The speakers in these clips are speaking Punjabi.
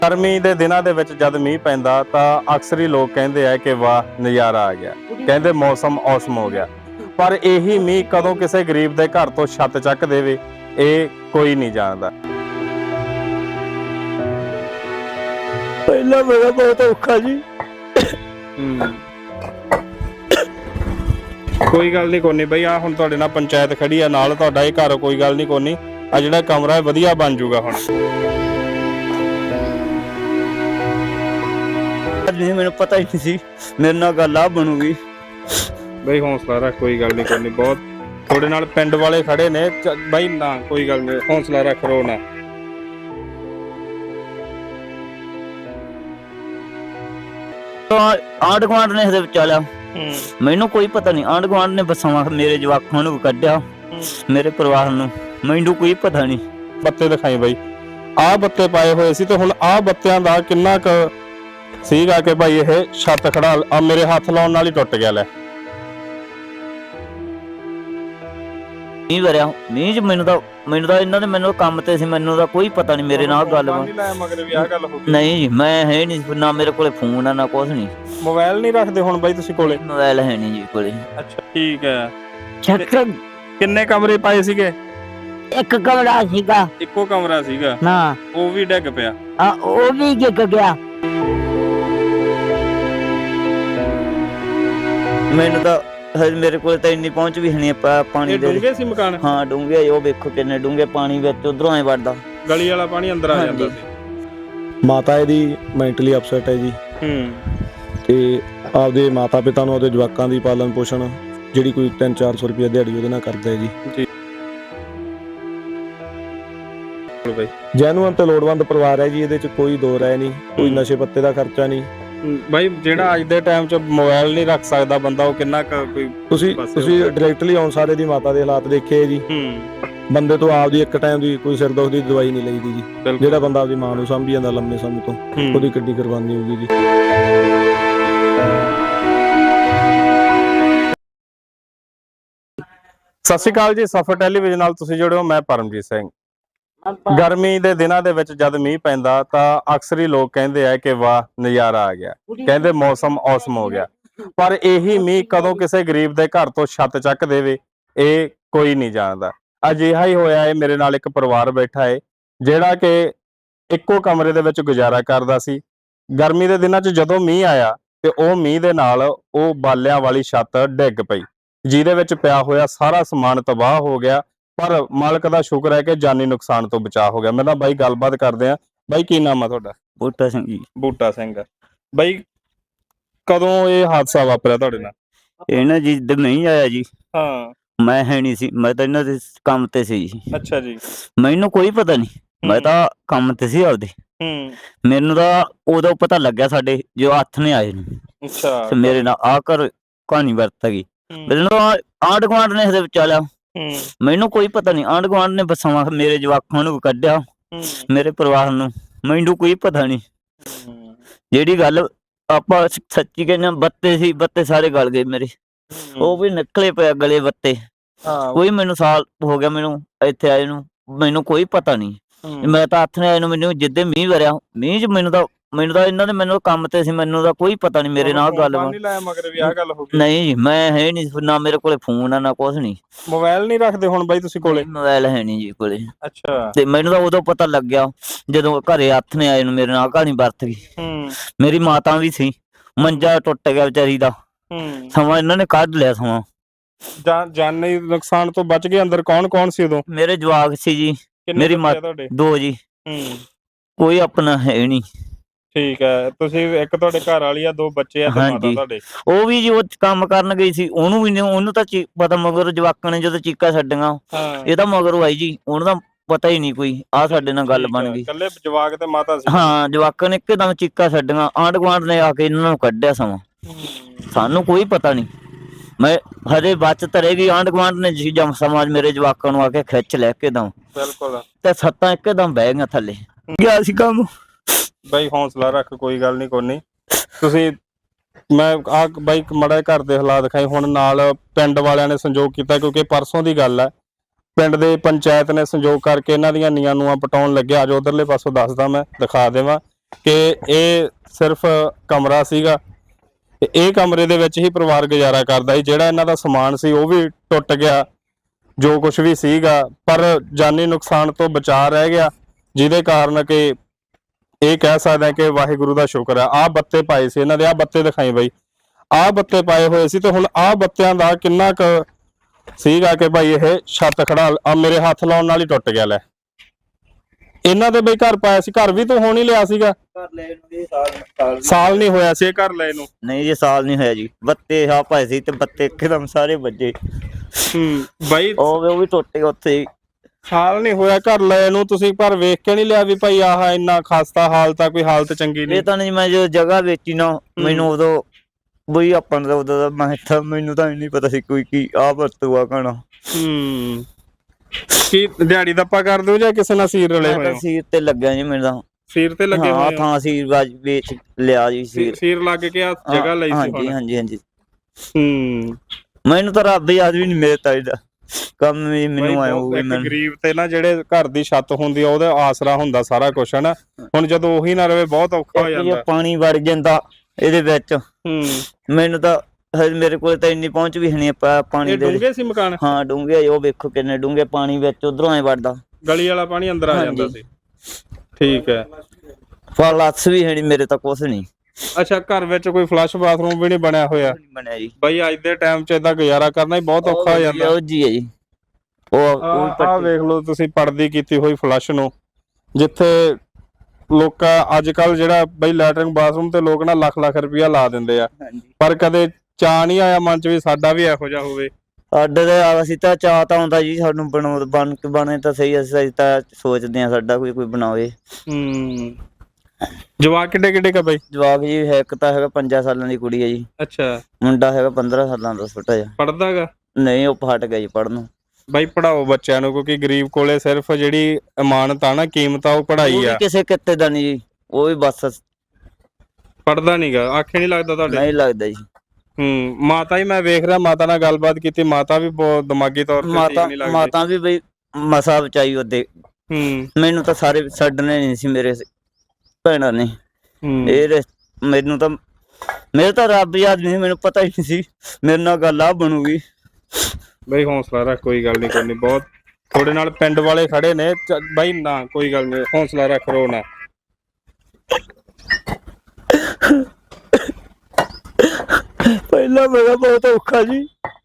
ਗਰਮੀ ਦੇ ਦਿਨਾਂ ਦੇ ਵਿੱਚ ਜਦ ਮੀਂਹ ਪੈਂਦਾ ਤਾਂ ਅਕਸਰ ਹੀ ਲੋਕ ਕਹਿੰਦੇ ਆ ਕਿ ਵਾਹ ਨਜ਼ਾਰਾ ਆ ਗਿਆ, ਕਹਿੰਦੇ ਮੌਸਮ ਔਸਮ ਹੋ ਗਿਆ। ਪਰ ਇਹੀ ਮੀਂਹ ਕਦੋਂ ਕਿਸੇ ਗਰੀਬ ਦੇ ਘਰ ਤੋਂ ਛੱਤ ਚੱਕ ਦੇਵੇ ਇਹ ਕੋਈ ਨਹੀਂ ਜਾਣਦਾ। ਪਹਿਲਾਂ ਮੇਰਾ ਬਹੁਤ ਔਖਾ ਜੀ। ਕੋਈ ਗੱਲ ਨਹੀਂ ਕੋਨੀ ਬਈ, ਆ ਹੁਣ ਤੁਹਾਡੇ ਨਾਲ ਪੰਚਾਇਤ ਖੜੀ ਆ ਨਾਲ, ਤੁਹਾਡਾ ਇਹ ਘਰ ਕੋਈ ਗੱਲ ਨਹੀਂ ਕੋਨੀ, ਆ ਜਿਹੜਾ ਕਮਰਾ ਹੈ ਵਧੀਆ ਬਣ ਜਾਊਗਾ ਹੁਣ। ਨਹੀਂ ਮੈਨੂੰ ਪਤਾ ਹੀ ਨਹੀਂ ਸੀ ਮੇਰੇ ਨਾਲ ਗੱਲ ਆ ਬਣੂਗੀ। ਬਈ ਹੌਸਲਾ ਰੱਖ, ਕੋਈ ਗੱਲ ਨਹੀਂ ਕੋਨੀ, ਬਹੁਤ ਤੁਹਾਡੇ ਨਾਲ ਪਿੰਡ ਵਾਲੇ ਖੜੇ ਨੇ ਬਈ, ਨਾ ਕੋਈ ਗੱਲ ਨਹੀਂ, ਹੌਸਲਾ ਰੱਖ, ਰੋ ਨਾ। ਆਂਢ ਗੁਆਂਢ ਨੇ ਇਹਦੇ ਵਿਚਾਲਿਆ, ਮੈਨੂੰ ਕੋਈ ਪਤਾ ਨਹੀਂ। ਆਂਢ ਗੁਆਂਢ ਨੇ ਬਸਾਂ ਮੇਰੇ ਜਵਾਕਾਂ ਨੂੰ ਕੱਢਿਆ, ਮੇਰੇ ਪਰਿਵਾਰ ਨੂੰ, ਮੈਨੂੰ ਕੋਈ ਪਤਾ ਨਹੀਂ। ਬੱਤੇ ਦਿਖਾਈ ਬਈ, ਆਹ ਬੱਤੇ ਪਾਏ ਹੋਏ ਸੀ ਤੇ ਹੁਣ ਆਹ ਬੱਤਿਆਂ ਦਾ ਕਿੰਨਾ ਕੁ ਸੀਗਾ ਕਿ ਭਾਈ ਇਹ ਛੱਤ ਖੜਾ ਆ ਮੇਰੇ ਹੱਥ ਲਾਉਣ ਨਾਲ ਹੀ ਟੁੱਟ ਗਿਆ। ਲੈ ਮੀਂਹ ਵਰਿਆ, ਮੀਂਹ ਚ ਮੈਨੂੰ ਤਾਂ ਇਹਨਾਂ ਨੇ ਮੈਨੂੰ ਕੰਮ ਤੇ ਸੀ, ਮੈਨੂੰ ਤਾਂ ਕੋਈ ਪਤਾ ਨਹੀਂ ਮੇਰੇ ਨਾਲ ਗੱਲ ਨਹੀਂ ਜੀ। ਮੈਂ ਹੈ ਨਹੀਂ, ਨਾ ਮੇਰੇ ਕੋਲੇ ਫੋਨ ਆ ਨਾ ਕੁਛ ਨਹੀਂ। ਮੋਬਾਈਲ ਨਹੀਂ ਰੱਖਦੇ ਹੁਣ ਬਾਈ ਤੁਸੀਂ ਕੋਲੇ? ਮੋਬਾਈਲ ਹੈ ਨਹੀਂ ਜੀ ਕੋਲੇ। ਅੱਛਾ ਠੀਕ ਹੈ। ਚੱਕਰ ਕਿੰਨੇ ਕਮਰੇ ਪਾਏ ਸੀਗੇ? ਇੱਕ ਕਮਰਾ ਸੀਗਾ। ਇੱਕੋ ਕਮਰਾ ਸੀਗਾ ਨਾ, ਉਹ ਵੀ ਡਿੱਗ ਪਿਆ। ਉਹ ਵੀ ਡਿੱਗ ਗਿਆ। ਮੈਨੂੰ ਤਾਂ ਹਜੇ ਮੇਰੇ ਕੋਲ ਤਾਂ ਇੰਨੀ ਪਹੁੰਚ ਵੀ ਨਹੀਂ ਪਾਣੀ ਦੇ। ਡੂੰਘੇ ਸੀ ਮਕਾਨ? ਹਾਂ ਡੂੰਘੇ, ਉਹ ਵੇਖੋ ਕਿੰਨੇ ਡੂੰਘੇ, ਪਾਣੀ ਵਿੱਚ ਉਧਰੋਂ ਐ ਵੜਦਾ, ਗਲੀ ਵਾਲਾ ਪਾਣੀ ਅੰਦਰ ਆ ਜਾਂਦਾ ਸੀ। ਮਾਤਾ ਇਹਦੀ ਮੈਂਟਲੀ ਅਪਸੈਟ ਹੈ ਜੀ। ਤੇ ਆਪਦੇ ਮਾਤਾ ਪਿਤਾ ਨੂੰ, ਆਪਦੇ ਜਵਾਕਾਂ ਦੀ ਪਾਲਣ ਪੋਸ਼ਣ ਜਿਹੜੀ ਕੋਈ 300-400 ਰੁਪਏ ਦਿਹਾੜੀ ਉਹਦੇ ਨਾਲ ਕਰਦਾ ਹੈ ਜੀ। ਜੈਨੂਅਨ ਤੇ ਲੋੜਵੰਦ ਪਰਿਵਾਰ ਹੈ ਜੀ, ਇਹਦੇ ਚ ਕੋਈ ਦੋ ਰਾਏ ਨਹੀਂ, ਕੋਈ ਨਸ਼ੇ ਪੱਤੇ ਦਾ ਖਰਚਾ ਨਹੀਂ। ਬਾਈ ਜਿਹੜਾ ਅੱਜ ਦੇ ਟਾਈਮ 'ਚ ਮੋਬਾਈਲ ਨਹੀਂ ਰੱਖ ਸਕਦਾ ਬੰਦਾ, ਉਹ ਕਿੰਨਾ ਕੋਈ ਤੁਸੀਂ ਡਾਇਰੈਕਟਲੀ ਆਉਣ ਸਾਰੇ ਦੀ ਮਾਤਾ ਦੇ ਹਾਲਾਤ ਦੇਖੇ ਜੀ। ਬੰਦੇ ਤੋਂ ਆਪਦੀ ਇੱਕ ਟਾਈਮ ਦੀ ਕੋਈ ਸਿਰ ਦੁੱਖ ਦੀ ਦਵਾਈ ਨਹੀਂ ਲਈਦੀ ਜੀ। ਜਿਹੜਾ ਬੰਦਾ ਆਪਦੀ ਮਾਂ ਨੂੰ ਸਾਂਭੀ ਜਾਂਦਾ ਲੰਮੇ ਸਮੇਂ ਤੋਂ, ਉਹਦੀ ਕਿੱਡੀ ਕੁਰਬਾਨੀ ਹੋਊਗੀ ਜੀ। ਸਤਿ ਸ਼੍ਰੀ ਅਕਾਲ ਜੀ, ਸਫਰ ਟੈਲੀਵਿਜ਼ਨ ਨਾਲ ਤੁਸੀਂ ਜੁੜੇ ਹੋ, ਮੈਂ ਪਰਮਜੀਤ ਸਿੰਘ। ਗਰਮੀ ਦੇ ਦਿਨਾਂ ਦੇ ਵਿੱਚ ਜਦ ਮੀਂਹ ਪੈਂਦਾ ਤਾਂ ਅਕਸਰ ਹੀ ਲੋਕ ਕਹਿੰਦੇ ਆ ਕਿ ਵਾਹ ਨਜ਼ਾਰਾ ਆ ਗਿਆ, ਕਹਿੰਦੇ ਮੌਸਮ ਔਸਮ ਹੋ ਗਿਆ। ਪਰ ਇਹੀ ਮੀਂਹ ਕਦੋਂ ਕਿਸੇ ਗਰੀਬ ਦੇ ਘਰ ਤੋਂ ਛੱਤ ਚੱਕ ਦੇਵੇ ਇਹ ਕੋਈ ਨਹੀਂ ਜਾਣਦਾ। ਅਜਿਹਾ ਹੀ ਹੋਇਆ ਹੈ, ਮੇਰੇ ਨਾਲ ਇੱਕ ਪਰਿਵਾਰ ਬੈਠਾ ਹੈ ਜਿਹੜਾ ਕਿ ਇੱਕੋ ਕਮਰੇ ਦੇ ਵਿੱਚ ਗੁਜ਼ਾਰਾ ਕਰਦਾ ਸੀ। ਗਰਮੀ ਦੇ ਦਿਨਾਂ 'ਚ ਜਦੋਂ ਮੀਂਹ ਆਇਆ ਤੇ ਉਹ ਮੀਂਹ ਦੇ ਨਾਲ ਉਹ ਬਾਲਿਆਂ ਵਾਲੀ ਛੱਤ ਡਿੱਗ ਪਈ, ਜਿਹਦੇ ਵਿੱਚ ਪਿਆ ਹੋਇਆ ਸਾਰਾ ਸਮਾਨ ਤਬਾਹ ਹੋ ਗਿਆ। ਪਰ ਮਾਲਕ ਦਾ ਸ਼ੁਕਰ ਹੈ ਕਿ ਜਾਨੀ ਨੁਕਸਾਨ ਤੋਂ ਬਚਾਅ ਹੋ ਗਿਆ। ਮੈਂ ਤਾਂ ਬਾਈ ਗੱਲਬਾਤ ਕਰਦੇ ਆ। ਬਾਈ ਕੀ ਨਾਮ ਆ ਤੁਹਾਡਾ? ਬੂਟਾ ਸਿੰਘ ਜੀ। ਬੂਟਾ ਸਿੰਘ। ਬਾਈ ਕਦੋਂ ਇਹ ਹਾਦਸਾ ਵਾਪਰਿਆ ਤੁਹਾਡੇ ਨਾਲ? ਇਹ ਨਾ ਜੀ ਨਹੀਂ ਆਇਆ ਜੀ। ਹਾਂ, ਮੈਂ ਹੈ ਨਹੀਂ ਸੀ, ਮੈਂ ਤਾਂ ਇਹਨਾਂ ਦੇ ਕੰਮ ਤੇ ਸੀ ਜੀ। ਅੱਛਾ ਜੀ। ਮੈਨੂੰ ਕੋਈ ਪਤਾ ਨਹੀਂ, ਮੈਂ ਤਾਂ ਕੰਮ ਤੇ ਸੀ ਆਪਦੇ। ਮੈਨੂੰ ਤਾਂ ਉਦੋਂ ਪਤਾ ਲੱਗਿਆ ਸਾਡੇ ਜੋ ਹੱਥ ਨੇ ਆਏ ਨੂੰ। ਅੱਛਾ, ਤੇ ਮੇਰੇ ਨਾਲ ਆ ਕਰ ਕਹਾਣੀ ਵਰਤ ਗਈ। ਮੈਨੂੰ ਆਂਢ ਗੁਆਂਢ ਨੇ ਇਹਦੇ ਵਿਚਾਲਿਆ, ਮੈਨੂੰ ਕੋਈ ਪਤਾ ਨਹੀਂ। ਆਂਢ ਗੁਆਂਢ ਨੇ ਬਸਾਂ ਮੇਰੇ ਜਵਾਕਾਂ ਨੂੰ ਕੱਢਿਆ, ਮੇਰੇ ਪਰਿਵਾਰ ਨੂੰ, ਮੈਨੂੰ ਕੋਈ ਪਤਾ ਨਹੀਂ। ਜਿਹੜੀ ਗੱਲ ਆਪਾਂ ਸੱਚੀ ਕਹਿੰਦੇ, ਬੱਤੇ ਸੀ, ਬੱਤੇ ਸਾਰੇ ਗਲ ਗਏ ਮੇਰੇ, ਉਹ ਵੀ ਨਿਕਲੇ ਪਏ ਗਲੇ ਬੱਤੇ। ਕੋਈ ਮੈਨੂੰ ਸਾਲ ਹੋ ਗਿਆ ਮੈਨੂੰ ਇੱਥੇ ਆਏ ਨੂੰ, ਮੈਨੂੰ ਕੋਈ ਪਤਾ ਨਹੀਂ। ਮੈਂ ਤਾਂ ਹੱਥ ਨੇ ਆਏ ਨੂੰ, ਮੈਨੂੰ ਜਿੱਦੇ ਮੀਂਹ ਵਰਿਆ, ਮੀਂਹ ਚ ਮੈਨੂੰ ਤਾਂ ਇਹਨਾਂ ਦੇ ਮੈਨੂੰ ਕੰਮ ਤੇ ਸੀ, ਮੈਨੂੰ ਤਾਂ ਕੋਈ ਪਤਾ ਨਹੀਂ ਮੇਰੇ ਨਾਲ ਗੱਲ ਨਹੀਂ ਜੀ। ਮੈਂ ਹੈ ਨਹੀਂ, ਨਾ ਮੇਰੇ ਕੋਲੇ ਫੋਨ ਆ ਨਾ ਕੁਛ ਨਹੀਂ। ਮੋਬਾਈਲ ਨਹੀਂ ਰੱਖਦੇ ਹੁਣ ਬਾਈ ਤੁਸੀਂ ਕੋਲੇ? ਮੋਬਾਈਲ ਹੈ ਨਹੀਂ ਜੀ ਕੋਲੇ। ਅੱਛਾ। ਤੇ ਮੈਨੂੰ ਤਾਂ ਉਦੋਂ ਪਤਾ ਲੱਗਿਆ ਜਦੋਂ ਘਰੇ ਹੱਥ ਨੇ ਆਏ ਨੂੰ ਮੇਰੇ ਨਾਲ ਕਹਾਣੀ ਵਰਤ ਗਈ। ਮੇਰੀ ਮਾਤਾ ਵੀ ਸੀ, ਮੰਜਾ ਟੁੱਟ ਗਿਆ ਵਿਚਾਰੀ ਦਾ, ਸਮਾਂ ਇਹਨਾਂ ਨੇ ਕੱਢ ਲਿਆ। ਸਮਾਂ ਜਾਨੀ ਨੁਕਸਾਨ ਤੋਂ ਬਚ ਗਏ। ਅੰਦਰ ਕੌਣ ਕੌਣ ਸੀ ਉਦੋਂ? ਮੇਰੇ ਜਵਾਕ ਸੀ ਜੀ, ਮੇਰੀ ਮਾਤਾ, ਦੋ ਜੀ। ਕੋਈ ਆਪਣਾ ਹੈ ਨਹੀਂ। ਠੀਕ ਹੈ। ਤੁਸੀਂ ਇੱਕ ਤੁਹਾਡੇ ਘਰ ਵਾਲੀ ਆ, ਦੋ ਬੱਚੇ ਆ ਤੇ ਮਾਤਾ ਤੁਹਾਡੇ? ਉਹ ਵੀ ਜੀ ਉਹ ਕੰਮ ਕਰਨ ਗਈ ਸੀ, ਉਹਨੂੰ ਵੀ ਉਹਨੂੰ ਤਾਂ ਪਤਾ, ਮਗਰ ਜਵਾਕਾਂ ਨੇ ਜਦੋਂ ਚੀਕਾਂ ਛੱਡੀਆਂ ਇਹ ਤਾਂ ਮਗਰੋਂ ਆਈ ਜੀ, ਉਹਨੂੰ ਤਾਂ ਪਤਾ ਹੀ ਨਹੀਂ ਕੋਈ। ਆ ਸਾਡੇ ਨਾਲ ਗੱਲ ਬਣ ਗਈ। ਇਕੱਲੇ ਜਵਾਕ ਤੇ ਮਾਤਾ ਸੀ? ਹਾਂ, ਜਵਾਕਾਂ ਨੇ ਇੱਕਦਮ ਚੀਕਾਂ ਛੱਡੀਆਂ, ਆਂਢ ਗੁਆਂਢ ਨੇ ਆ ਕੇ ਇਹਨਾਂ ਨੂੰ ਕੱਢਿਆ। ਸਮਾਂ ਸਾਨੂੰ ਕੋਈ ਪਤਾ ਨਹੀਂ। ਮੈਂ ਹਜੇ ਬਚਤ ਰਹੇਗੀ, ਆਂਢ ਗੁਆਂਢ ਨੇ ਜਮ ਸਮਾਜ ਮੇਰੇ ਜਵਾਕਾਂ ਨੂੰ ਆ ਕੇ ਖਿੱਚ ਲੈ ਇੱਕਦਮ। ਬਿਲਕੁਲ। ਤੇ ਸੱਤਾਂ ਇੱਕਦਮ ਬਹਿ ਗਈਆਂ ਥੱਲੇ, ਗਿਆ ਸੀ ਕੰਮ। ਬਾਈ ਹੌਸਲਾ ਰੱਖ, ਕੋਈ ਗੱਲ ਨਹੀਂ ਕੋਈ ਨਹੀਂ। ਤੁਸੀਂ ਮੈਂ ਆ ਬਾਈ ਮਾੜਾ ਘਰ ਦੇ ਹਾਲਾਤ ਦਿਖਾਏ। ਹੁਣ ਨਾਲ ਪਿੰਡ ਵਾਲਿਆਂ ਨੇ ਸੰਯੋਗ ਕੀਤਾ, ਕਿਉਂਕਿ ਪਰਸੋਂ ਦੀ ਗੱਲ ਹੈ, ਪਿੰਡ ਦੇ ਪੰਚਾਇਤ ਨੇ ਸੰਯੋਗ ਕਰਕੇ ਇਹਨਾਂ ਦੀਆਂ ਨੀਆਂ ਨੂਆਂ ਪਟਾਉਣ ਲੱਗਿਆ। ਅੱਜ ਉਧਰਲੇ ਪਾਸੋਂ ਦੱਸਦਾ, ਮੈਂ ਦਿਖਾ ਦੇਵਾਂ। ਕਿ ਇਹ ਸਿਰਫ ਕਮਰਾ ਸੀਗਾ ਤੇ ਇਹ ਕਮਰੇ ਦੇ ਵਿੱਚ ਹੀ ਪਰਿਵਾਰ ਗੁਜ਼ਾਰਾ ਕਰਦਾ ਸੀ। ਜਿਹੜਾ ਇਹਨਾਂ ਦਾ ਸਮਾਨ ਸੀ ਉਹ ਵੀ ਟੁੱਟ ਗਿਆ, ਜੋ ਕੁਝ ਵੀ ਸੀਗਾ, ਪਰ ਜਾਨੀ ਨੁਕਸਾਨ ਤੋਂ ਬਚਾ ਰਹਿ ਗਿਆ, ਜਿਹਦੇ ਕਾਰਨ ਕਿ ਇਹ ਕਹਿ ਸਕਦੇ ਕਿ ਵਾਹਿਗੁਰੂ ਦਾ ਸ਼ੁਕਰ ਹੈ। ਆਹ ਬੱਤੇ ਪਾਏ ਸੀ ਇਹਨਾਂ ਦੇ, ਆਹ ਬੱਤੇ ਦਿਖਾਈ ਬਈ, ਆਹ ਬੱਤੇ ਪਾਏ ਹੋਏ ਸੀ। ਤੇ ਹੁਣ ਆਹ ਬੱਤਿਆਂ ਦਾ ਕਿੰਨਾ ਕੁ ਸੀਗਾ ਕਿ ਭਾਈ ਇਹ ਛੱਤ ਖੜਾ ਆ ਮੇਰੇ ਹੱਥ ਲਾਉਣ ਨਾਲ ਹੀ ਟੁੱਟ ਗਿਆ। ਲੈ ਇਹਨਾਂ ਦੇ ਬਈ ਘਰ ਪਾਇਆ ਸੀ, ਘਰ ਵੀ ਤੂੰ ਹੁਣ ਹੀ ਲਿਆ ਸੀਗਾ? ਘਰ ਲੈ ਨੂੰ ਜੀ ਸਾਲ ਨਹੀਂ ਹੋਇਆ ਸੀ ਇਹ ਘਰ ਲਏ ਨੂੰ? ਨਹੀਂ ਜੀ, ਸਾਲ ਨਹੀਂ ਹੋਇਆ ਜੀ। ਬੱਤੇ ਆ ਪਾਏ ਸੀ ਤੇ ਬੱਤੇ ਇੱਕਦਮ ਸਾਰੇ ਵੱਜੇ। ਬਾਈ ਉਹ ਵੀ ਟੁੱਟ ਗਏ ਉੱਥੇ ਹੀ। ਸਾਲ ਨਹੀਂ ਹੋਇਆ ਘਰ ਲਏ ਨੂੰ, ਤੁਸੀਂ ਪਰ ਵੇਖ ਕੇ ਨਹੀਂ ਲਿਆ ਵੀ ਭਾਈ ਆਹ ਇੰਨਾ ਖਸਤਾ ਹਾਲਤ ਆ, ਕੋਈ ਹਾਲਤ ਚੰਗੀ ਨਹੀਂ? ਇਹ ਤਾਂ ਨਹੀਂ, ਮੈਂ ਜੋ ਜਗ੍ਹਾ ਵੇਚੀ ਨਾ ਮੈਨੂੰ ਉਦੋਂ ਬਈ ਆਪਾਂ ਨੂੰ ਉਦੋਂ ਦਾ ਮੈਨੂੰ ਤਾਂ ਨਹੀਂ ਪਤਾ ਸੀ ਕੋਈ ਕੀ ਆਹ ਵਰਤੂਆ ਕਹਣਾ। ਕੀ ਦਿਹਾੜੀ ਦੱਪਾ ਕਰ ਦਿਓ ਜਾਂ ਕਿਸੇ ਨਾਲ ਸੀਰ ਰਲੇ ਹੋਏ ਹੋ? ਸੀਰ ਤੇ ਲੱਗਿਆ ਜੀ ਮੇਰੇ ਤਾਂ। ਸੀਰ ਤੇ ਲੱਗੇ ਹੋਏ? ਥਾਂ ਸੀਰ ਵੇਚ ਲਿਆ ਜੀ। ਸੀਰ ਲੱਗ ਕੇ ਆ ਜਗ੍ਹਾ ਲਈ ਸੀ? ਹਾਂਜੀ ਹਾਂਜੀ ਹਾਂਜੀ। ਮੈਨੂੰ ਤਾਂ ਰੱਬ ਯਾਦ ਵੀ ਨਹੀਂ ਮੇਰੇ ਤਾਂ ਇਹਦਾ ਕੰਮ ਵੀ ਮੈਨੂੰ ਆਇਆ ਹੋਊਗਾ। ਗਰੀਬ ਤੇ ਨਾ ਜਿਹੜੇ ਘਰ ਦੀ ਛੱਤ ਹੁੰਦੀ ਆ ਉਹਦਾ ਆਸਰਾ ਹੁੰਦਾ ਸਾਰਾ ਕੁਝ, ਹੈ ਨਾ। ਹੁਣ ਜਦੋਂ ਉਹੀ ਨਾ ਰਵੇ ਬਹੁਤ ਔਖਾ ਹੋ ਜਾਂਦਾ। ਪਾਣੀ ਵੜ ਜਾਂਦਾ ਇਹਦੇ ਵਿੱਚ। ਮੈਨੂੰ ਤਾਂ ਮੇਰੇ ਕੋਲ ਤਾਂ ਇੰਨੀ ਪਹੁੰਚ ਵੀ ਨਹੀਂ ਪਾਣੀ ਦੇ। ਡੂੰਘੇ ਸੀ ਮਕਾਨ? ਹਾਂ ਡੂੰਘੇ, ਉਹ ਵੇਖੋ ਕਿੰਨੇ ਡੂੰਘੇ ਪਾਣੀ ਵਿੱਚ ਉਧਰੋਂ ਐ ਵੜਦਾ, ਗਲੀ ਵਾਲਾ ਪਾਣੀ ਅੰਦਰ ਆ ਜਾਂਦਾ ਸੀ। ਠੀਕ ਹੈ। ਫਲੱਸ ਵੀ ਹੈ ਨਹੀਂ ਮੇਰੇ ਤਾਂ, ਕੁਛ ਨਹੀਂ। ਅੱਛਾ, ਘਰ ਵਿੱਚ ਕੋਈ ਫਲਸ਼ ਬਾਥਰੂਮ ਵੀ ਨਹੀਂ ਬਣਿਆ ਹੋਇਆ? ਬਣਿਆ ਜੀ। ਬਈ ਅੱਜ ਦੇ ਟਾਈਮ 'ਚ ਏਦਾਂ ਗੁਜ਼ਾਰਾ ਕਰਨਾ ਹੀ ਬਹੁਤ ਔਖਾ ਹੋ ਜਾਂਦਾ। ਉਹ ਜੀ ਹੈ ਜੀ, ਆਹ ਵੇਖ ਲਓ ਤੁਸੀਂ ਪਰਦੀ ਕੀਤੀ ਹੋਈ ਫਲਸ਼ ਨੂੰ, ਜਿੱਥੇ ਲੋਕਾਂ ਅੱਜ ਕੱਲ ਜਿਹੜਾ ਬਈ ਲੈਟਰਿੰਗ ਬਾਥਰੂਮ ਤੇ ਲੋਕ ਨਾ ਲੱਖ ਲੱਖ ਰੁਪਇਆ ਲਾ ਦਿੰਦੇ ਆ, ਪਰ ਕਦੇ ਚਾਅ ਨਹੀਂ ਆਇਆ ਮਨ 'ਚ ਵੀ ਸਾਡਾ ਵੀ ਇਹੋ ਜਿਹਾ ਹੋਵੇ। ਸਾਡੇ ਤੇ ਅਸੀਂ ਤਾਂ ਚਾਅ ਤਾਂ ਆਉਂਦਾ ਜੀ ਸਾਨੂੰ ਬਣੇ ਤਾਂ ਸਹੀ। ਅਸੀਂ ਤਾਂ ਸੋਚਦੇ ਹਾਂ ਸਾਡਾ ਕੋਈ ਬਣਾਵੇ। ਜਵਾਕ ਕਿੱਡੇ ਕਿੱਡੇ ਕਾ ਬਈ? ਜਵਾਕ ਜੀ ਇੱਕ ਤਾਂ ਹੈਗਾ 5 ਸਾਲਾਂ ਦੀ ਕੁੜੀ ਹੈ ਜੀ। ਅੱਛਾ। ਮੁੰਡਾ ਹੈਗਾ 15 ਸਾਲਾਂ ਦਾ ਛੋਟਾ ਜਿਹਾ। ਪੜਦਾ ਹੈਗਾ? ਨਹੀਂ, ਉਹ ਹਟ ਗਿਆ ਜੀ ਪੜ੍ਹਨੋਂ। ਬਾਈ ਪੜਾਓ ਬੱਚਿਆਂ ਨੂੰ, ਕਿਉਂਕਿ ਗਰੀਬ ਕੋਲੇ ਸਿਰਫ ਜਿਹੜੀ ਇਮਾਨਤ ਆ ਨਾ, ਕੀਮਤ ਆ, ਉਹ ਪੜਾਈ ਆ। ਕਿਸੇ ਕਿਤੇ ਦਾ ਨਹੀਂ ਜੀ, ਉਹ ਵੀ ਬਸ ਪੜਦਾ ਨਹੀਂਗਾ। ਆਖੇ ਨਹੀਂ ਲੱਗਦਾ ਤੁਹਾਡੇ? ਨਹੀਂ ਲੱਗਦਾ ਜੀ। ਮਾਤਾ ਹੀ ਮੈਂ ਵੇਖ ਰਿਹਾ, ਮਾਤਾ ਨਾਲ ਗੱਲਬਾਤ ਕੀਤੀ, ਮਾਤਾ ਵੀ ਬਹੁਤ ਦਿਮਾਗੀ ਤੌਰ ਤੇ ਠੀਕ ਨਹੀਂ ਲੱਗਦੀ। ਮਾਤਾ ਵੀ ਬਈ ਮਸਾ ਬਚਾਈ ਉਹਦੇ। ਮੈਨੂੰ ਤਾਂ ਸਾਰੇ ਛੱਡਣੇ ਨਹੀਂ ਸੀ ਮੇਰੇ ਭੈਣਾਂ ਨੇ। ਇਹ ਮੈਨੂੰ ਤਾਂ ਮੇਰੇ ਤਾਂ ਰੱਬ ਯਾਦ ਨਹੀਂ, ਮੈਨੂੰ ਪਤਾ ਹੀ ਨਹੀਂ ਸੀ ਮੇਰੇ ਨਾਲ ਗੱਲ ਆ ਬਣੂਗੀ। ਬਈ ਹੌਸਲਾ ਰੱਖ, ਕੋਈ ਗੱਲ ਨਹੀਂ, ਕੋਈ ਨਹੀਂ। ਬਹੁਤ ਤੁਹਾਡੇ ਨਾਲ ਪਿੰਡ ਵਾਲੇ ਖੜੇ ਨੇ ਬਾਈ, ਨਾ ਕੋਈ ਗੱਲ ਨਹੀਂ, ਹੌਸਲਾ ਰੱਖ, ਰੋ ਨਾ। ਪਹਿਲਾਂ ਮੇਰਾ ਬਹੁਤ ਔਖਾ ਜੀ।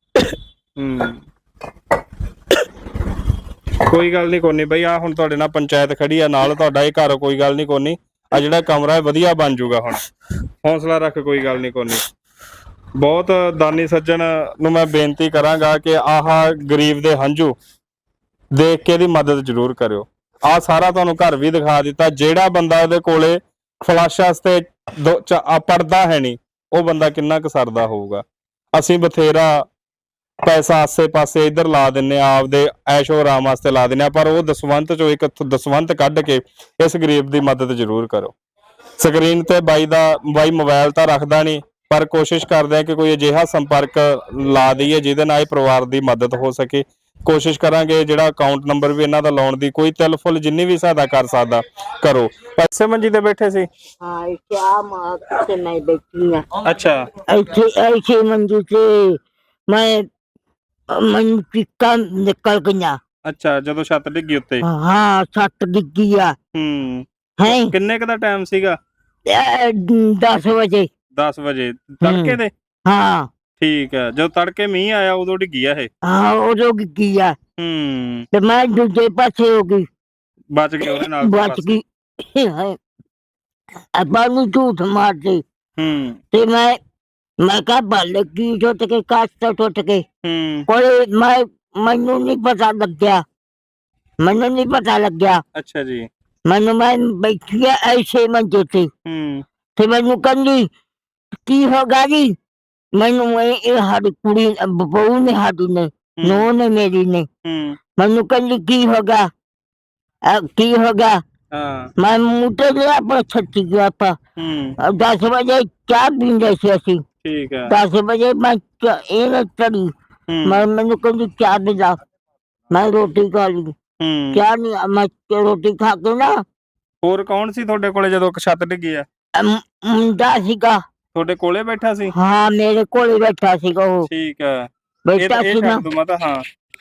ਕੋਈ ਗੱਲ ਨਹੀਂ, ਕੋਈ ਨਹੀਂ ਬਈ। ਆ ਹੁਣ ਤੁਹਾਡੇ ਨਾਲ ਪੰਚਾਇਤ ਖੜੀ ਆ ਨਾਲ, ਤੁਹਾਡਾ ਇਹ ਘਰ ਕੋਈ ਗੱਲ ਨਹੀਂ, ਕੋਈ ਨਹੀਂ। ਆ ਜਿਹੜਾ ਕਮਰਾ ਹੈ ਵਧੀਆ ਬਣ ਜਾਊਗਾ। ਹੁਣ ਹੌਸਲਾ ਰੱਖ, ਕੋਈ ਗੱਲ ਨਹੀਂ, ਕੋਈ ਨਹੀਂ। ਬਹੁਤ ਦਾਨੀ ਸੱਜਣ ਨੂੰ ਮੈਂ ਬੇਨਤੀ ਕਰਾਂਗਾ ਕਿ ਆਹ ਗਰੀਬ ਦੇ ਹੰਝੂ ਦੇਖ ਕੇ ਇਹਦੀ ਮਦਦ ਜ਼ਰੂਰ ਕਰਿਓ। ਆਹ ਸਾਰਾ ਤੁਹਾਨੂੰ ਘਰ ਵੀ ਦਿਖਾ ਦਿੱਤਾ। ਜਿਹੜਾ ਬੰਦਾ ਇਹਦੇ ਕੋਲੇ ਫਲਸ਼ ਵਾਸਤੇ ਪੜਦਾ ਹੈ ਨਹੀਂ, ਉਹ ਬੰਦਾ ਕਿੰਨਾ ਕੁ ਸਰਦਾ ਹੋਊਗਾ। ਅਸੀਂ ਬਥੇਰਾ ਪੈਸਾ ਆਸੇ ਪਾਸੇ ਇੱਧਰ ਲਾ ਦਿੰਨੇ ਆ, ਆਪਦੇ ਐਸ਼ੋ ਆਰਾਮ ਵਾਸਤੇ ਲਾ ਦਿੰਨੇ ਆ, ਪਰ ਉਹ ਦਸਵੰਤ ਚੋਂ ਇੱਕ ਦਸਵੰਤ ਕੱਢ ਕੇ ਇਸ ਗਰੀਬ ਦੀ ਮਦਦ ਜ਼ਰੂਰ ਕਰੋ। ਸਕਰੀਨ ਤੇ ਬਾਈ ਮੋਬਾਈਲ ਤਾਂ ਰੱਖਦਾ ਨਹੀਂ, ਪਰ ਕੋਸ਼ਿਸ਼ ਕਰਦੇ ਆ ਕਿ ਕੋਈ ਅਜਿਹਾ ਸੰਪਰਕ ਲਾ ਦਈਏ ਜਿਹਦੇ ਨਾਲ ਇਹ ਪਰਿਵਾਰ ਦੀ ਮਦਦ ਹੋ ਸਕੇ। ਕੋਸ਼ਿਸ਼ ਕਰਾਂਗੇ ਜਿਹੜਾ ਅਕਾਊਂਟ ਨੰਬਰ ਵੀ ਇਹਨਾਂ ਦਾ ਲਾਉਣ ਦੀ, ਕੋਈ ਤਿਲ ਫੁੱਲ ਜਿੰਨੀ ਵੀ ਸਹਾਇਤਾ ਕਰ ਸਕਦਾ ਕਰੋ। ਪੈਸੇ ਮੰਜੀ ਤੇ ਬੈਠੇ ਸੀ? ਹਾਂ, ਇੱਥੇ ਆ ਮਾਂ ਤੇ ਮੈਂ ਬੈਠੀ ਆ। ਅੱਛਾ। ਇੱਥੇ ਮੰਜੀ ਤੇ ਮੈਨੂੰ ਚੀਕਾਂ ਨਿਕਲ ਗਈਆਂ। ਅੱਛਾ, ਜਦੋਂ ਛੱਤ ਡਿੱਗੀ ਉੱਤੇ? ਹਾਂ, ਛੱਤ ਡਿੱਗੀ ਆ। ਹੈ ਕਿੰਨੇ ਕੁ ਦਾ ਟਾਈਮ ਸੀਗਾ? 10 ਵਜੇ। 10 ਵਜੇ ਤੜਕੇ ਦੇ? ਹਾਂ। ਠੀਕ ਹੈ, ਜਦੋਂ ਤੜਕੇ ਮੀਂਹ ਆਇਆ ਉਦੋਂ ਡਿੱਗੀ ਆ ਇਹ? ਹਾਂ, ਉਦੋਂ ਡਿੱਗੀ ਆ। ਤੇ ਮੈਂ ਦੂਜੇ ਪਾਸੇ ਹੋ ਗਈ, ਬਚ ਗਈ ਉਹਦੇ ਨਾਲ? ਬਚ ਗਈ। ਆਪਾਂ ਨੂੰ ਝੂਠ ਮਾਰਦੇ। ਤੇ ਮੈਂ ਕਿਹਾ ਬੱਲ ਕੀ ਟੁੱਟ ਕੇ, ਕਾਸ਼ ਤੋਂ ਟੁੱਟ ਕੇ। ਕੋਈ ਮੈਨੂੰ ਨਹੀਂ ਪਤਾ ਲੱਗਿਆ, ਮੈਨੂੰ ਨਹੀਂ ਪਤਾ ਲੱਗਿਆ। ਅੱਛਾ ਜੀ। ਮੈਂ ਬੈਠੀ ਆ ਐਸੇ ਮੰਜੇ ਤੇ ਮੈਨੂੰ ਕਹਿੰਦੀ ਕੀ ਹੋ ਗਿਆ ਜੀ। ਮੈਨੂੰ ਇਹ ਸਾਡੀ ਕੁੜੀ ਬਹੂ ਨੇ, ਸਾਡੀ ਨੇ, ਨੂੰਹ ਨੇ, ਮੇਰੀ ਨੇ। ਮੈਨੂੰ ਕਹਿੰਦੀ ਕੀ ਹੋ ਗਿਆ, ਕੀ ਹੋ ਗਿਆ। ਮੈਂ ਮੂੰਹ ਤੇ ਲਿਆ ਆਪਣਾ ਛੱਤੀ ਗਿਆ। ਆਪਾਂ 10 ਵਜੇ ਚਾਹ ਪੀਂਦੇ ਸੀ ਅਸੀਂ। 10 ਵਜੇ ਮੈਂ ਇਹ ਚੜੀ। ਮੈਨੂੰ ਕਹਿੰਦੀ ਚਾਹ ਪਿਲਾ। ਮੈਂ ਰੋਟੀ ਖਾ ਲਈ। ਚਾਹ ਨਹੀਂ, ਮੈਂ ਰੋਟੀ ਖਾ ਕੇ ਨਾ ਹੋਰ ਕੌਣ ਸੀ ਤੁਹਾਡੇ ਕੋਲੇ ਜਦੋਂ ਛੱਤ ਡਿੱਗੀ ਆ? ਮੁੰਡਾ ਸੀਗਾ। ਤੁਹਾਡੇ ਕੋਲੇ ਬੈਠਾ ਸੀ? ਹਾਂ ਮੇਰੇ ਕੋਲ ਬੈਠਾ ਸੀਗਾ ਉਹ। ਠੀਕ ਹੈ, ਬੈਠਾ ਇਹ ਸੀ ਨਾ, ਛੱਡ ਦੂੰ ਮਾਤਾ। ਹਾਂ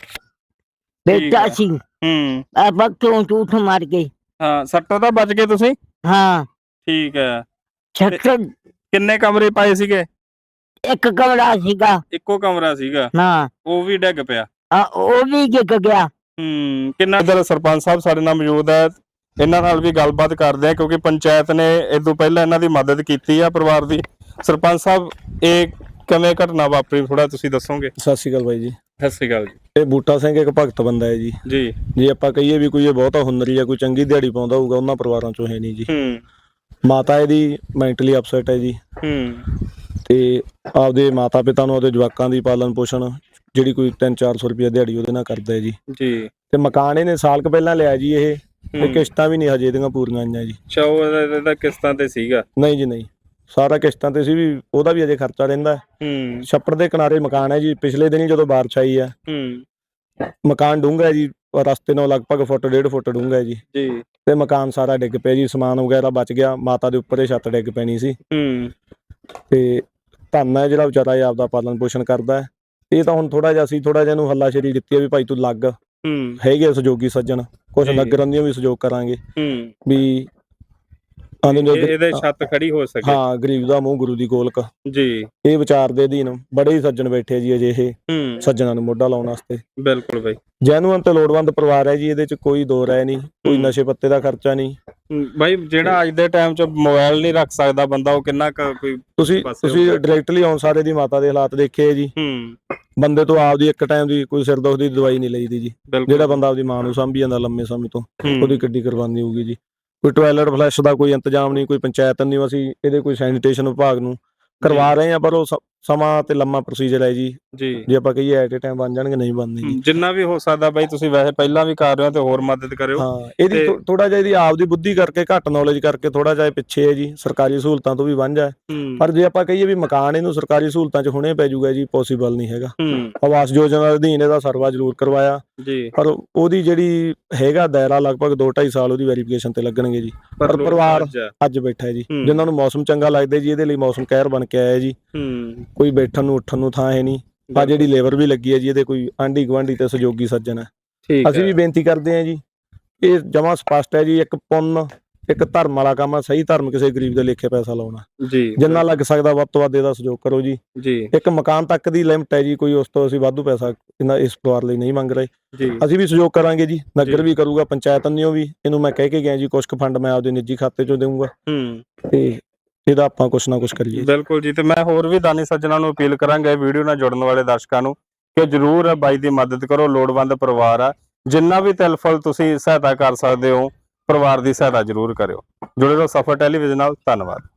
ਬੈਠਾ ਹੈ। ਸੀ। ਆਪਾਂ ਕਿਉਂ ਝੂਠ ਮਾਰ ਗਏ? ਹਾਂ, ਸੱਟੋਂ ਤਾਂ ਬਚ ਗਏ ਤੁਸੀਂ? ਹਾਂ ਠੀਕ ਹੈ। ਛੱਤ ਕਿੰਨੇ ਕਮਰੇ ਪਾਏ ਸੀਗੇ? ਇੱਕ ਕਮਰਾ ਸੀਗਾ। ਇੱਕੋ ਕਮਰਾ ਸੀਗਾ, ਹਾਂ ਉਹ ਵੀ ਡਿੱਗ ਪਿਆ। ਉਹ ਵੀ ਡਿੱਗ ਗਿਆ। ਕਿੰਨਾ ਇਧਰ ਸਰਪੰਚ ਸਾਹਿਬ ਸਾਡੇ ਨਾਲ ਮੌਜੂਦ ਹੈ, ਇਹਨਾਂ ਨਾਲ ਵੀ ਗੱਲਬਾਤ ਕਰਦੇ ਆ ਕਿਉਂਕਿ ਪੰਚਾਇਤ ਨੇ ਇਹ ਤੋਂ ਪਹਿਲਾਂ ਇਹਨਾਂ ਦੀ ਮਦਦ ਕੀਤੀ ਆ ਪਰਿਵਾਰ ਦੀ। ਸਰਪੰਚ ਸਾਹਿਬ, ਇਹ ਕਿਵੇਂ ਘਟਨਾ ਵਾਪਰੀ ਥੋੜਾ ਤੁਸੀਂ ਦੱਸੋਗੇ? ਸਤਿ ਸ਼੍ਰੀ ਅਕਾਲ ਬਾਈ ਜੀ। ਸਤਿ ਸ਼੍ਰੀ ਅਕਾਲ ਜੀ। ਇਹ ਬੂਟਾ ਸਿੰਘ ਇੱਕ ਭਗਤ ਬੰਦਾ ਹੈ ਜੀ। ਜੀ ਜੇ ਆਪਾਂ ਕਹੀਏ ਵੀ ਕੋਈ ਇਹ ਬਹੁਤਾ ਹੁਨਰੀ ਆ, ਕੋਈ ਚੰਗੀ ਦਿਹਾੜੀ ਪਾਉਂਦਾ ਹੋਊਗਾ, ਉਹਨਾਂ ਪਰਿਵਾਰਾਂ ਚੋਂ ਹੈ ਨਹੀਂ ਜੀ। ਮਾਤਾ ਇਹਦੀ ਮੈਂਟਲੀ ਅਪਸੈਟ ਹੈ ਜੀ। ਤੇ ਆਪਦੇ ਮਾਤਾ ਪਿਤਾ ਨੂੰ, ਆਪਦੇ ਜਵਾਕਾਂ ਦੀ ਪਾਲਣ ਪੋਸ਼ਣ ਜਿਹੜੀ ਕੋਈ 300-400 ਰੁਪਇਆ ਦਿਹਾੜੀ ਉਹਦੇ ਨਾਲ ਕਰਦਾ ਹੈ ਜੀ। ਤੇ ਮਕਾਨ ਇਹਨੇ ਸਾਲ ਕੁ ਪਹਿਲਾਂ ਲਿਆ ਜੀ। ਇਹ ਤੇ ਕਿਸ਼ਤਾਂ ਵੀ ਨਹੀਂ ਹਜੇ ਇਹਦੀਆਂ ਪੂਰੀਆਂ ਆਈਆਂ ਜੀ। ਅੱਛਾ, ਉਹਦਾ ਕਿਸ਼ਤਾਂ ਤੇ ਸੀਗਾ? ਨਹੀਂ ਜੀ, ਨਹੀਂ, ਸਾਰਾ ਕਿਸ਼ਤਾਂ ਤੇ ਸੀ। ਵੀ ਉਹਦਾ ਵੀ ਅਜੇ ਖਰਚਾ ਰਹਿੰਦਾ। ਛੱਪੜ ਦੇ ਕਿਨਾਰੇ ਮਕਾਨ ਹੈ ਜੀ। ਪਿਛਲੇ ਦਿਨ ਹੀ ਜਦੋਂ ਬਾਰਿਸ਼ ਆਈ ਆ, ਮਕਾਨ ਡੂੰਘਾ ਹੈ ਜੀ, ਰਸਤੇ ਨਾਲ ਲਗਭਗ 1.5 ਫੁੱਟ ਡੂੰਘਾ ਹੈ ਜੀ। ਤੇ ਮਕਾਨ ਸਾਰਾ ਡਿੱਗ ਪਿਆ ਜੀ, ਸਮਾਨ ਵਗੈਰਾ ਬਚ ਗਿਆ। ਮਾਤਾ ਦੇ ਉੱਪਰ ਇਹ ਛੱਤ ਡਿੱਗ ਪੈਣੀ ਸੀ। ਤੇ ਧੰਨ ਹੈ ਜਿਹੜਾ ਵਿਚਾਰਾ ਇਹ ਆਪਦਾ ਪਾਲਣ ਪੋਸ਼ਣ ਕਰਦਾ ਹੈ। ਇਹ ਤਾਂ ਹੁਣ ਥੋੜਾ ਜਿਹਾ ਅਸੀਂ ਇਹਨੂੰ ਹੱਲਾਸ਼ੇਰੀ ਦਿੱਤੀ ਹੈ ਵੀ ਭਾਈ ਤੂੰ ਲੱਗ, ਹੈਗੇ ਸਹਿਯੋਗੀ ਸੱਜਣ, ਕੁਛ ਨਗਰਾਂ ਦੀਆਂ ਵੀ ਸਹਿਯੋਗ ਕਰਾਂਗੇ ਵੀ ਇਹਦੇ ਛੱਤ ਖੜੀ ਹੋ ਸਕੇ। ਹਾਂ, ਗਰੀਬ ਦਾ ਮੂੰਹ ਗੁਰੂ ਦੀ ਗੋਲਕ ਜੀ। ਇਹ ਵਿਚਾਰ ਦੇ ਅਧੀਨ ਬੜੇ ਹੀ ਸੱਜਣ ਬੈਠੇ ਜੀ ਅਜੇ ਇਹ ਸੱਜਣਾਂ ਨੂੰ ਮੋਢਾ ਲਾਉਣ ਵਾਸਤੇ। ਬਿਲਕੁਲ ਬਾਈ, ਜੈਨੂਅਨ ਤੇ ਲੋੜਵੰਦ ਪਰਿਵਾਰ ਹੈ ਜੀ। ਇਹਦੇ ਚ ਕੋਈ ਦੋ ਰਾਏ ਨਹੀਂ, ਕੋਈ ਨਸ਼ੇ ਪੱਤੇ ਦਾ ਖਰਚਾ ਨਹੀਂ ਬਾਈ। ਜਿਹੜਾ ਅੱਜ ਦੇ ਟਾਈਮ 'ਚ ਮੋਬਾਈਲ ਨਹੀਂ ਰੱਖ ਸਕਦਾ ਬੰਦਾ, ਉਹ ਕਿੰਨਾ ਕੋਈ ਤੁਸੀਂ ਡਾਇਰੈਕਟਲੀ ਆਉਣ ਸਾਰੇ ਦੀ ਮਾਤਾ ਦੇ ਹਾਲਾਤ ਦੇਖੇ ਜੀ। ਬੰਦੇ ਤੋਂ ਆਪਦੀ ਇੱਕ ਟਾਈਮ ਦੀ ਕੋਈ ਸਿਰ ਦੁੱਖ ਦੀ ਦਵਾਈ ਨਹੀਂ ਲਈਦੀ ਜੀ। ਜਿਹੜਾ ਬੰਦਾ ਆਪਦੀ ਮਾਂ ਨੂੰ ਸਾਂਭੀ ਜਾਂਦਾ ਲੰਮੇ ਸਮੇਂ ਤੋਂ, ਉਹਦੀ ਕਿੱਡੀ ਕੁਰਬਾਨੀ ਹੋਊਗੀ ਜੀ। ਕੋਈ ਟਾਇਲਟ ਫਲੈਸ਼ ਦਾ ਕੋਈ ਇੰਤਜ਼ਾਮ ਨਹੀਂ, ਕੋਈ ਪੰਚਾਇਤ ਨਹੀਂ। ਅਸੀਂ ਇਹਦੇ ਕੋਈ ਸੈਨੀਟੇਸ਼ਨ ਵਿਭਾਗ ਨੂੰ ਕਰਵਾ ਰਹੇ ਆ, ਪਰ ਉਹ ਸਮਾਂ ਤੇ ਲੰਮਾ ਪ੍ਰੋਸੀਜਰ ਹੈ ਜੀ। ਜੇ ਆਪਾਂ ਕਹੀਏ ਐਟ ਏ ਟਾਈਮ ਬਣ ਜਾਣਗੇ, ਨਹੀਂ ਬਣਦੇ ਜੀ। ਜਿੰਨਾ ਵੀ ਹੋ ਸਕਦਾ ਬਾਈ, ਤੁਸੀਂ ਵੈਸੇ ਪਹਿਲਾਂ ਵੀ ਕਰ ਰਹੇ ਹੋ ਤੇ ਹੋਰ ਮਦਦ ਕਰਿਓ। ਹਾਂ, ਇਹਦੀ ਥੋੜਾ ਜਿਹਾ ਇਹਦੀ ਆਪਦੀ ਬੁੱਧੀ ਕਰਕੇ, ਘੱਟ ਨੌਲੇਜ ਕਰਕੇ ਥੋੜਾ ਜਿਹਾ ਪਿੱਛੇ ਹੈ ਜੀ। ਸਰਕਾਰੀ ਸਹੂਲਤਾਂ ਤੋਂ ਵੀ ਵਾਂਝਾ ਹੈ। ਪਰ ਜੇ ਆਪਾਂ ਕਹੀਏ ਵੀ ਮਕਾਨ ਇਹਨੂੰ ਸਰਕਾਰੀ ਸਹੂਲਤਾਂ 'ਚ ਹੁਣੇ ਪੈ ਜਾਊਗਾ ਜੀ, ਪੋਸੀਬਲ ਨਹੀਂ ਹੈਗਾ। ਆਵਾਸ ਯੋਜਨਾ ਦੇ ਅਧੀਨ ਇਹਦਾ ਸਰਵਾ ਜ਼ਰੂਰ ਕਰਵਾਇਆ, ਪਰ ਉਹਦੀ ਜਿਹੜੀ ਹੈਗਾ ਦਾਇਰਾ ਲਗਭਗ 2-2.5 ਸਾਲ ਉਹਦੀ ਵੈਰੀਫਿਕੇਸ਼ਨ ਤੇ ਲੱਗਣਗੇ ਜੀ। ਪਰ ਪਰਿਵਾਰ ਅੱਜ ਬੈਠਾ ਹੈ ਜੀ, ਜਿਨ੍ਹਾਂ ਨੂੰ ਮੌਸਮ ਚੰਗਾ ਲੱਗਦਾ ਜੀ। ਇਹਦੇ ਲਈ ਮੌਸਮ ਕਹਿਰ ਬਣ ਕੇ ਆਇਆ ਜੀ। ਕੋਈ ਬੈਠਣ ਨੂੰ ਉੱਠਣ ਨੂੰ ਥਾਂ ਹੈ ਨਹੀਂ। ਆ ਜਿਹੜੀ ਲੇਬਰ ਵੀ ਲੱਗੀ ਹੈ ਜੀ, ਇਹਦੇ ਕੋਈ ਆਂਢੀ ਗੁਆਂਢੀ ਤੇ ਸਹਿਯੋਗੀ ਸੱਜਣ ਹੈ। ਅਸੀਂ ਵੀ ਬੇਨਤੀ ਕਰਦੇ ਹਾਂ ਜੀ, ਇਹ ਜਮਾਂ ਸਪਸ਼ਟ ਹੈ ਜੀ। ਇੱਕ ਪੁੰਨ, ਇੱਕ ਧਰਮ ਵਾਲਾ ਕੰਮ ਆ। ਸਹੀ ਧਰਮ ਕਿਸੇ ਗਰੀਬ ਦੇ ਲੇਖੇ ਪੈਸਾ ਲਾਉਣਾ ਜੀ। ਜਿੰਨਾ ਲੱਗ ਸਕਦਾ ਵੱਧ ਤੋਂ ਵੱਧ ਇਹਦਾ ਸਹਿਯੋਗ ਕਰੋ ਜੀ। ਇੱਕ ਮਕਾਨ ਤੱਕ ਦੀ ਲਿਮਟ ਹੈ ਜੀ, ਕੋਈ ਉਸ ਤੋਂ ਅਸੀਂ ਵਾਧੂ ਪੈਸਾ ਇਸ ਪਰਿਵਾਰ ਲਈ ਨਹੀਂ ਮੰਗ ਰਹੇ। ਅਸੀਂ ਵੀ ਸਹਿਯੋਗ ਕਰਾਂਗੇ ਜੀ, ਨਗਰ ਵੀ ਕਰੂਗਾ, ਪੰਚਾਇਤ ਵੱਲੋਂ ਵੀ। ਇਹਨੂੰ ਮੈਂ ਕਹਿ ਕੇ ਗਿਆ ਜੀ, ਕੁਛ ਕੁ ਫੰਡ ਮੈਂ ਆਪਦੇ ਨਿੱਜੀ ਖਾਤੇ ਚੋਂ ਦੇਵਾਂਗਾ ਤੇ ਇਹਦਾ ਆਪਾਂ ਕੁਛ ਨਾ ਕੁਛ ਕਰੀਏ। ਬਿਲਕੁਲ ਜੀ। ਤੇ ਮੈਂ ਹੋਰ ਵੀ ਦਾਨੀ ਸੱਜਣਾਂ ਨੂੰ ਅਪੀਲ ਕਰਾਂਗਾ, ਇਹ ਵੀਡੀਓ ਨਾਲ ਜੁੜਨ ਵਾਲੇ ਦਰਸ਼ਕਾਂ ਨੂੰ, ਕਿ ਜਰੂਰ ਬਾਈ ਦੀ ਮਦਦ ਕਰੋ। ਲੋੜਵੰਦ ਪਰਿਵਾਰ ਆ, ਜਿੰਨਾ ਵੀ ਤਿਲ ਫੁਲ ਤੁਸੀਂ ਸਹਾਇਤਾ ਕਰ ਸਕਦੇ ਹੋ, ਪਰਿਵਾਰ ਦੀ ਸਹਾਇਤਾ ਜਰੂਰ ਕਰਿਓ। ਜੁੜੇ ਰਹੋ ਸਫਰ ਟੈਲੀਵਿਜ਼ਨ ਨਾਲ। ਧੰਨਵਾਦ।